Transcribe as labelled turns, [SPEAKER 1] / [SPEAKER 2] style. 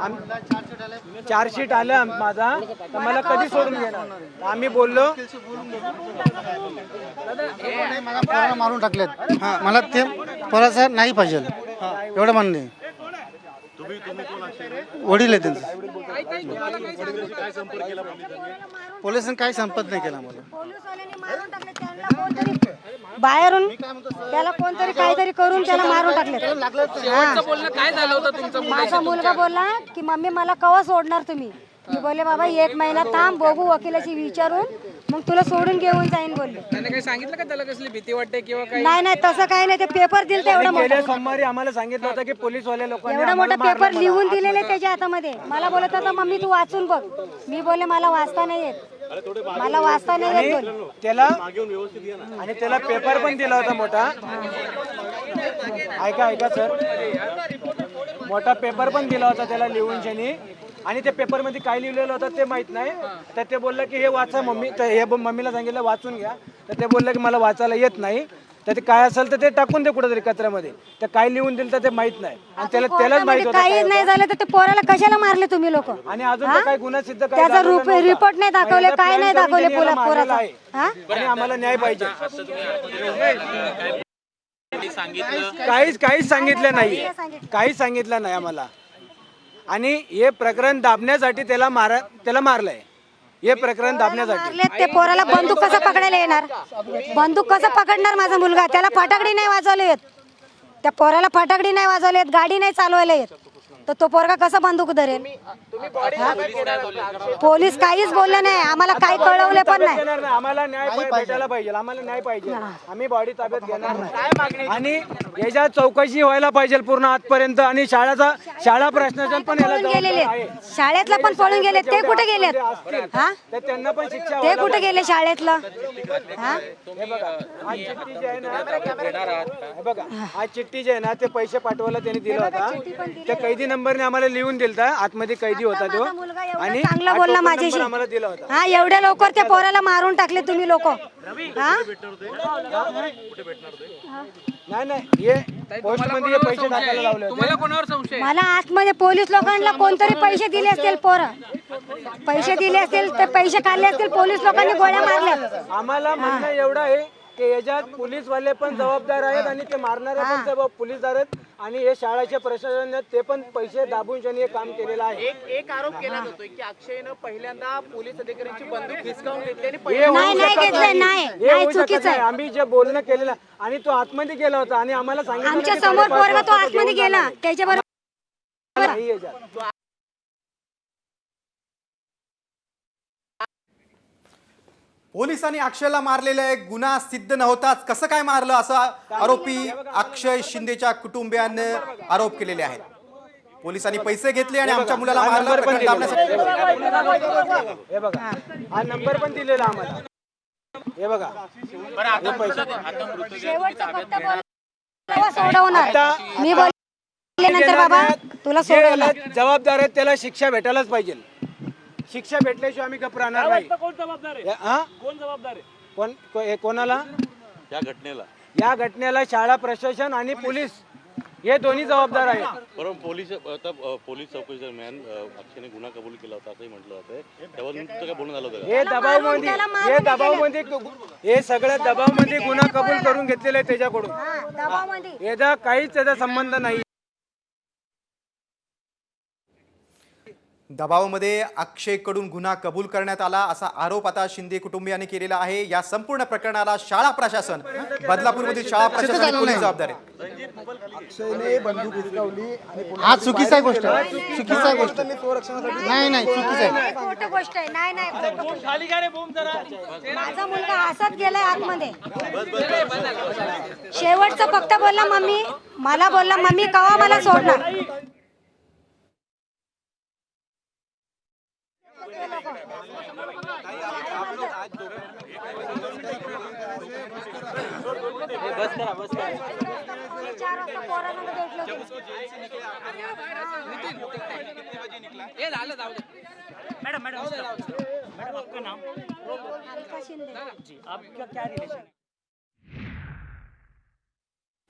[SPEAKER 1] Chargesheet आलं माझा, तर मला कधी सोडून घेणार? आम्ही बोललो
[SPEAKER 2] मला मारून टाकलेत, मला ते परत नाही पाहिजे एवढं म्हणणं आहे. वडील आहे त्यांचं. पोलिसांनी काही संपर्क नाही केला मला.
[SPEAKER 3] बाहेरून त्याला कोणतरी काहीतरी करून त्याला मारून टाकले.
[SPEAKER 4] काय झालं होतं तुमचं?
[SPEAKER 3] माझा मुलगा बोलला की मम्मी मला कवा सोडणार तुम्ही? मी बोलले बाबा 1 महिना थांब, बघू वकिलाशी विचारून मग तुला सोडून घेऊन जाईन बोलले.
[SPEAKER 4] त्याने काही सांगितलं का त्याला कसली भीती वाटते किंवा काय?
[SPEAKER 3] नाही नाही तसं काही नाही. ते पेपर दिलं एवढा मोठा,
[SPEAKER 1] गेल्या सोमवारी आम्हाला सांगितलं होतं की पोलीसवाले लोकांनी
[SPEAKER 3] एवढा मोठा पेपर लिहून दिलेले त्याच्या हातामध्ये. मला बोलत होता मम्मी तू वाचून बघ. मी बोलले मला वाचता नाही येत, मला वाचता नाही येत बोल.
[SPEAKER 1] त्याला आणि त्याला पेपर पण दिला होता मोठा. ऐका सर, मोठा पेपर पण दिला होता त्याला लिहून शनी. आणि त्या पेपर मध्ये काय लिहिलेलं होतं ते माहित नाही. तर ते बोललं की हे वाचा मम्मी. तर हे मम्मीला सांगितलं वाचून घ्या. तर ते बोललं की मला वाचायला येत नाही. तर ते काय असेल तर ते टाकून दे कुठेतरी कचऱ्यामध्ये. तर काय लिहून दिलं तर ते माहित नाही. आणि त्यालाच माहित होतं
[SPEAKER 3] काही नाही झालं तर ते पोराला कशाला मारले तुम्ही लोक?
[SPEAKER 1] आणि अजून तर काही गुन्हा सिद्ध काय
[SPEAKER 3] त्याचा रिपोर्ट नाही दाखवले, काय नाही दाखवले पोराचा.
[SPEAKER 1] आणि आम्हाला न्याय पाहिजे. काहीच सांगितलं नाही, काहीच सांगितलं नाही आम्हाला. आणि हे प्रकरण दाबण्यासाठी त्याला मारलंय. हे प्रकरण दाबण्यासाठी.
[SPEAKER 3] ते पोराला बंदूक कसं पकडायला येणार? बंदूक कसं पकडणार माझा मुलगा? त्याला फटाकडी नाही वाजवले येत, त्या पोराला फटाकडी नाही वाजवले येत, गाडी नाही चालवायला येत, तर तो पोरगा कसा बंदूक धरेल? पोलीस काहीच बोलले नाही आम्हाला, काही कळवले पण नाही.
[SPEAKER 1] आम्हाला न्याय भेटायला पाहिजे, आम्हाला न्याय पाहिजे. आम्ही बॉडी ताब्यात घेणार नाही. आणि याच्या चौकशी व्हायला पाहिजे पूर्ण आजपर्यंत. आणि शाळा प्रशासन पण
[SPEAKER 3] गेलेले, शाळेतला पण पळून गेले. ते कुठे गेलेत?
[SPEAKER 1] तर त्यांना पण शिक्षा.
[SPEAKER 3] ते कुठे गेले शाळेतलं?
[SPEAKER 1] हे बघा आज चिठ्ठी जी आहे ना, हे बघा आज चिठ्ठी जी आहे ना, ते पैसे पाठवायला त्यांनी दिला होता. त्या कैदी नंबरने आम्हाला लिहून दिलता. आतमध्ये कैदी होता तो. आणि
[SPEAKER 3] चांगला बोलला माझ्याशी.
[SPEAKER 1] आम्हाला दिला होता.
[SPEAKER 3] हा एवढ्या लवकर त्या पोराला मारून टाकले तुम्ही लोक.
[SPEAKER 1] नाही हे पोस्टमध्ये पैसे टाकायला लावले होते.
[SPEAKER 4] तुम्हाला कोणावर संशय?
[SPEAKER 3] मला आतमध्ये पोलीस लोकांना कोणतरी पैसे दिले असतील, पैसे दिले असतील, ते पैसे काढले असतील, पोलीस लोकांनी गोळ्या मारल्या.
[SPEAKER 1] आम्हाला म्हणणं एवढं आहे की याच्यात पोलीसवाले पण जबाबदार आहेत आणि ते मारणारे पण पोलीसदार आहेत. आणि हे शाळेचे प्रशासन ते पण पैसे दाबून हे काम केलेलं आहे.
[SPEAKER 4] एक आरोप केला जातोय की अक्षयनं पहिल्यांदा पोलीस अधिकाऱ्यांची बंदूक हिसकावून घेतली आणि
[SPEAKER 3] नाही घेतलं, नाही चुकीचं आहे.
[SPEAKER 1] आम्ही जे बोलणं केलेलं आणि तो आतमध्ये गेला होता आणि आम्हाला सांगितलं
[SPEAKER 3] आमच्या समोर पोरगा तो आतमध्ये गेला त्याच्याबरोबर.
[SPEAKER 5] पोलिसांनी अक्षयला मारलेला एक गुन्हा सिद्ध नव्हताच, कसं काय मारलं असा आरोपी अक्षय शिंदेच्या कुटुंबियांनी आरोप केलेले आहेत. पोलिसांनी पैसे घेतले आणि आमच्या मुलाला मारलं.
[SPEAKER 1] हे बघा हा नंबर पण दिलेला आम्हाला. हे बघा
[SPEAKER 3] मी बोलल्यानंतर बाबा तुला सोडवलं.
[SPEAKER 1] जबाबदार आहेत त्याला शिक्षा भेटायलाच पाहिजे. शिक्षा भेटल्याशिवाय आम्ही गप्प राहणार नाही. कोण जबाबदार आहे? कोणाला? या घटनेला शाळा प्रशासन आणि पोलीस हे दोन्ही जबाबदार आहेत.
[SPEAKER 6] परंतु पोलीस चौकशी दरम्यान अक्षयने गुन्हा कबूल केला होता असंही म्हटलं जातंय. त्यावर तुमचं काय बोलणं झालं होतं?
[SPEAKER 1] हे सगळं दबावमध्ये गुन्हा कबूल करून घेतलेला आहे त्याच्याकडून. याचा काहीच त्याचा संबंध नाही.
[SPEAKER 5] दबावामध्ये अक्षयकडून गुन्हा कबूल करण्यात आला असा आरोप आता शिंदे कुटुंबियांनी केलेला आहे. या संपूर्ण प्रकरणाला शाळा प्रशासन, बदलापूरमधील शाळा प्रशासन आणि पोलीस जबाबदार आहेत.
[SPEAKER 2] अक्षयने बंदूक हिसकावली हा चुकीचा गोष्ट आहे. चुकीचा गोष्ट नाही चुकीचा आहे.
[SPEAKER 3] खोटी गोष्ट आहे. नाही माझा मुलगा हसत गेलाय आतमध्ये. शेवटचं फक्त बोलला मम्मी, मला बोलला मम्मी कवा मला सोडणार.
[SPEAKER 4] बस करा
[SPEAKER 3] 4 वाजता पोरांना भेटलो.
[SPEAKER 4] हे झालं जाऊ दे. मैडम आपका नाम?
[SPEAKER 3] अलका शिंदे.
[SPEAKER 4] जी आपका क्या रिलेशन है?